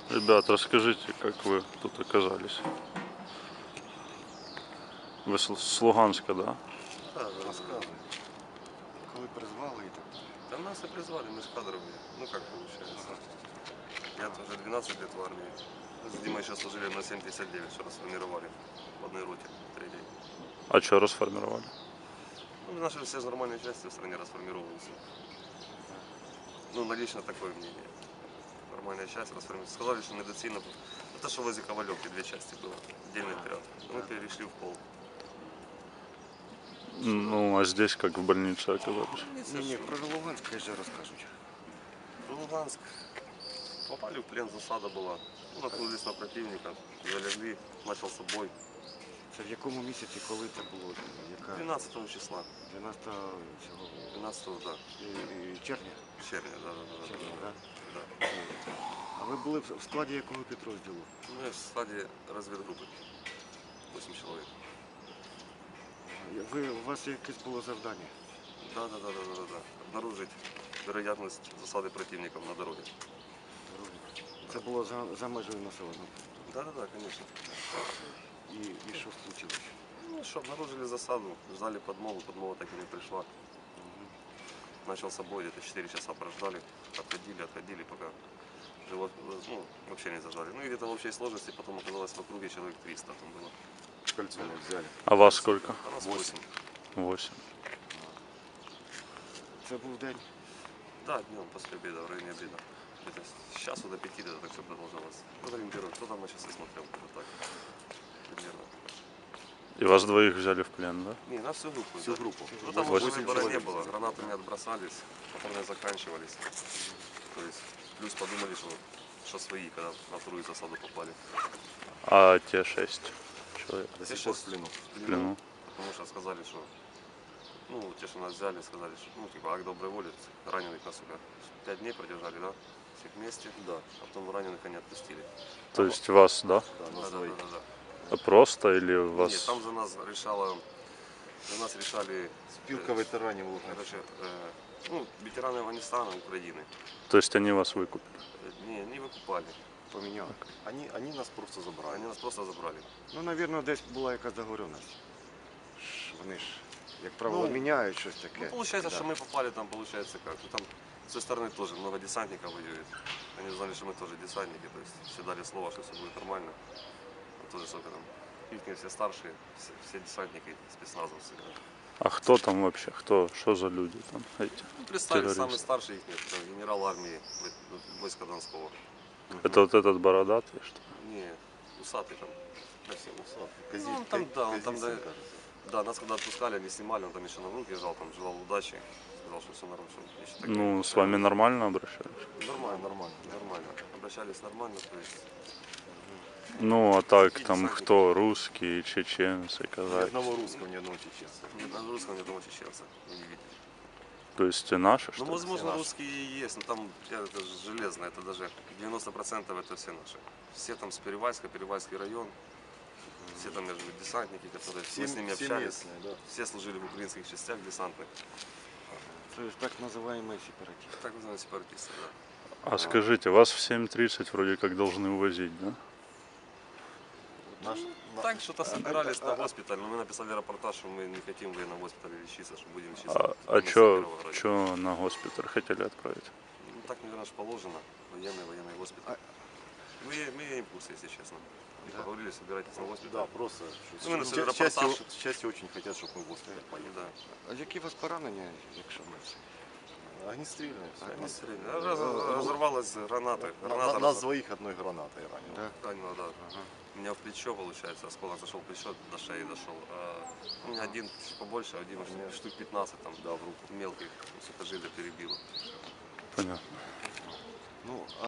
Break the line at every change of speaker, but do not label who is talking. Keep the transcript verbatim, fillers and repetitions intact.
Ребят, расскажите, как вы тут оказались? Вы с с Луганска, да?
Да, да, да.
Розказуй. Коли призвали і так далі.
Да нас и призвали, мы же кадровые. Ну как получается. Я уже двенадцать лет в армии. Мы с Димой сейчас служили на семь пятьдесят девять, что расформировали в одной роте, третьей.
А что расформировали?
Ну, наши все же нормальные части в стране расформировываются. Ну, на лично такое мнение. Нормальная часть расформировалась. Сказали, что медицина... Это что возле Ковалевки две части было, отдельный отряд. Мы перешли в полк.
Ну, а здесь как в больнице оказались?
Ні, ні, про Луганськ хай же розкажуть.
В Луганск. Попали в плен, засада была. Ну, наткнулись на противника, залегли, начался бой.
Це в якому місяці, коли це було? Яка?
двенадцатого числа.
дванадцятого цього
двенадцатого, да.
і- і червня?
Червня, да, да, да.
Червня,
да,
да?
да.
А ви були в в складі якого підрозділу?
Мы в стадии разведгруппы. восемь человек.
Ви, у вас якесь було завдання?
Да, да, да, да, да, да, да. Обнаружить вероятность засады противников на дороге.
Це було за, за межею населеного пункту.
Да, да, да, конечно.
І, і що случилось?
Ну что, обнаружили засаду, ждали подмогу, подмога так и не пришла. Начался бой, где-то четыре часа прождали, отходили, отходили, пока живот, ну, вообще не зажали. Ну и где-то в общей сложности потом оказалось в округе человек триста там было.
Кольцо не взяли.
А вас сколько?
А нас восемь.
Восемь.
Це був день.
Да, днем после обеда, в районе обеда. Это с часу до пяти это так все продолжалось. Вот ориентирует, кто там на часы смотрел, вот так. Примерно.
И вас двоих взяли в плен, да?
Не, нас всю группу.
Всю
да.
группу.
Ну там
Восемь
уже выбора не
человек.
было, гранатами отбросались, патроны заканчивались. То есть плюс подумали, что, что свои, когда на вторую засаду попали.
А те шесть человек
До сих пор в плену.
в плену?
Потому что сказали, что, ну, те, что нас взяли, сказали, что, ну, типа, акт доброй воли, раненых нас сука, пять дней продержали, да, всех вместе, да, а потом раненых они отпустили.
То есть вас, да?
Да, да, да, да, да.
А просто или вас?
Нет, там за нас решала, за нас решали...
Спілка ветеранів Луганська.
Короче, э, ну, ветераны Афганистана, Украины.
То есть они вас выкупили?
Э, Не, не выкупали.
Поміняли.
Они, они нас просто забрали.
Они нас просто забрали.
Ну, мабуть, десь була якась договоренність. Ж Вони ж, як правило,
Ну,
міняють щось таке.
Ну, получается,
Да.
что мы попали там, получается, как. Ну, там с той стороны тоже много десантников воюет. Они знали, что мы тоже десантники, то есть все дали слово, что все будет нормально. А тоже, сколько там, их все старшие, все, все десантники, спецназовцы. Да.
А кто там вообще? Кто? Что за люди там эти?
Ну, представили,
Террористы.
самый старший их нет, это генерал армии в- войска Донского.
Это вот этот бородатый, что ли?
Не, усатый там. Совсем усатый.
Кази-
Ну, он там, да, он там,
Казицын,
да,
кажется.
да, нас когда отпускали, они снимали, он там еще на руки жал, там желал удачи, сказал, что все нормально. Что еще так
Ну,
не
с вами нормально обращались?
Нормально, нормально, нормально. Обращались нормально, то есть
Ну, а так там кто? Русские, чеченцы,
Ни
казахи?
одного русского, ни одного чеченца.
ни одного русского, ни одного чеченца вы не видели.
То есть и наши, что
Ну,
ли?
возможно,
наши.
русские и есть, но там я, это же железно, это даже девяносто процентов это все наши. Все там с Перевальска, Перевальский район, все там между десантники, которые
Все,
мы с ними
все
общались,
местные, да.
все служили в украинских частях десантных,
Це ж так називаємо сепаратисти.
так называемые сепаратисты, да.
А скажите, вас в семь тридцать вроде как должны увозить, да?
Наш, на-
Так, что-то собирались на госпиталь, но мы написали репортаж, что мы не хотим в военном госпитале лечиться, что будем лечиться.
А,
в
а
больнице
чё,
Кировограда.
чё на госпиталь хотели отправить?
Ну, так, наверное, ж положено. Военный, военный госпиталь. Мы, мы имеем курс, если честно. И
Да.
поговорили, собирайтесь на госпиталь.
да, просто.
Ну, мы написали
Ча- части,
репортаж.
части очень хотят, чтобы мы в госпиталь поехали.
Да.
А які у вас поранення, якщо ми це?
Огнестрельные. всё.
Огнестрельный. Раз- Разорвалась граната.
На-
Граната
на-
раз-
Нас двоих одной гранатой ранило.
Да?
ранила, да.
Ага.
У меня в плечо, получается, осколок зашел в плечо, до шеи дошел. А у меня один чуть побольше, а у Димы штук- штук пятнадцать там, да, в руку мелких, сухожилия перебило.
Понятно.
Ну,